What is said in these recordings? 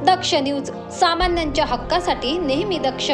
दक्ष news, सामान्यांच्या हक्कासाठी नेहमी दक्ष.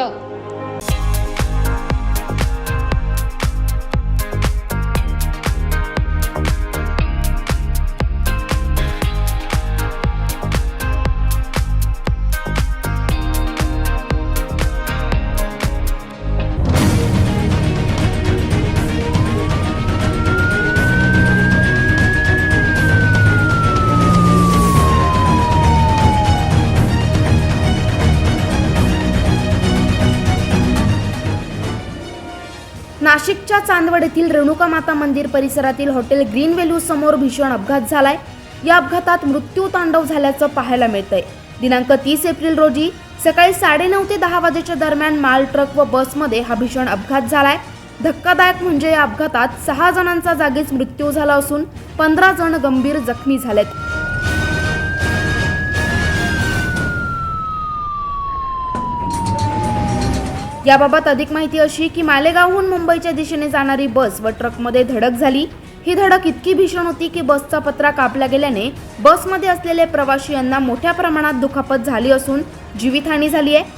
नाशिकच्या चांदवड येथील रेणुका माता मंदिर परिसरातील हॉटेल ग्रीन व्हॅल्यू समोर भीषण अपघात झालाय. या अपघातात मृत्यू तांडव झाल्याचं पाहायला मिळतंय. दिनांक 30 एप्रिल रोजी सकाळी 9:30 ते 10 वाजेच्या दरम्यान माल ट्रक व बसमध्ये हा भीषण अपघात झालाय. धक्कादायक म्हणजे या अपघातात 6 जणांचा जागीच मृत्यू झाला असून 15 जण गंभीर जखमी झालेत. याबाबत अधिक माहिती अशी की मालेगावहून मुंबईच्या दिशेने जाणारी बस व ट्रकमध्ये धडक झाली. ही धडक इतकी भीषण होती की बसचा पत्रा कापला गेल्याने बसमध्ये असलेले प्रवाशी यांना मोठ्या प्रमाणात दुखापत झाली असून जीवितहानी झाली आहे.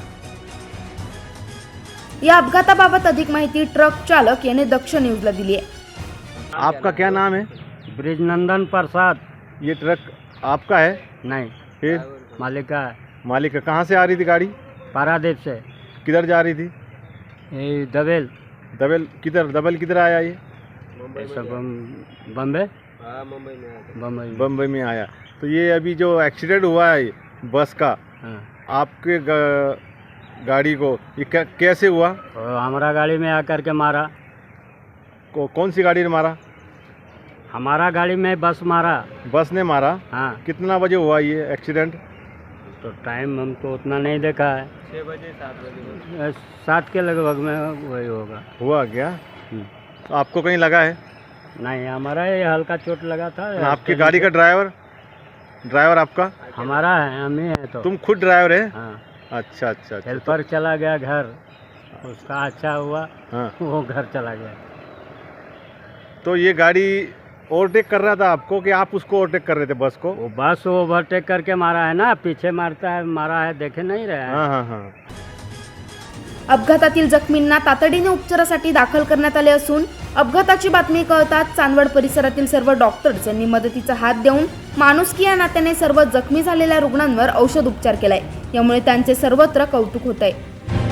या अपघाताबाबत अधिक माहिती ट्रक चालक याने दक्ष न्यूजला दिली आहे. आपका क्या नाम है? ब्रिजनंदन प्रसाद. ये ट्रक आपका है? नहीं, फिर मालिक का है. मालिक है. कहाँ से आ रही थी गाड़ी? पारादीप से. किधर जा रही थी? ये दबेल. दबेल किधर आया ये? बम्बे. बम्बई में आया. तो ये अभी जो एक्सीडेंट हुआ है बस का, हाँ. आपके गाड़ी को ये कैसे हुआ? और हमारा गाड़ी में आकर के मारा. कौन सी गाड़ी ने मारा? हमारा गाड़ी में बस मारा. बस ने मारा? हाँ. कितना बजे हुआ ये एक्सीडेंट? तो टाइम हम तो उतना नहीं देखा है. 6 बजे 7 बजे 7 के लगभग में वही होगा. हुआ क्या? तो आपको कहीं लगा है? नहीं, हमारा ये हल्का चोट लगा था. आपकी गाड़ी का ड्राइवर आपका? हमारा है, हम ही है. तो तुम खुद ड्राइवर है? हाँ. अच्छा. हेल्पर चला गया घर, उसका अच्छा हुआ. हाँ. वो घर चला गया. तो ये गाड़ी ओवरटेक कर रहा था आपको कि आप उसको ओवरटेक कर रहे थे बस को? वो बस ओवरटेक करके मारा है ना, पीछे मारा है, देखे नहीं रहे हैं. हाँ. अपघातातील जखमींना तातडीने उपचारासाठी दाखल करण्यात आले असून अपघाताची बातमी कळताच चांदवड परिसरातील सर्व डॉक्टर्स यांनी मदतीचा हात देऊन माणुसकी या नात्याने सर्व जखमी झालेल्या रुग्णांवर औषध उपचार केलाय. यामुळे त्यांचे सर्वत्र कौतुक होत आहे.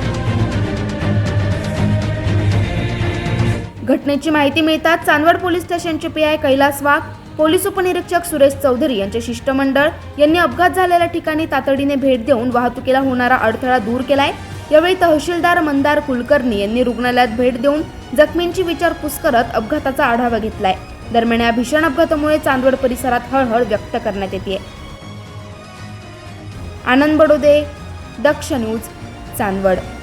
घटनेची माहिती मिळताच चांदवड पोलीस स्टेशनचे पीआय कैलास वाघ, पोलीस उपनिरीक्षक सुरेश चौधरी यांचे शिष्टमंडळ यांनी अपघात झालेल्या ठिकाणी तातडीने भेट देऊन वाहतुकीला होणारा अडथळा दूर केलाय. यावेळी तहसीलदार मंदार कुलकर्णी यांनी रुग्णालयात भेट देऊन जखमींची विचारपूस करत अपघाताचा आढावा घेतलाय. दरम्यान या भीषण अपघातामुळे चांदवड परिसरात हळहळ व्यक्त करण्यात येते. आनंद बडोदे, दक्ष न्यूज, चांदवड.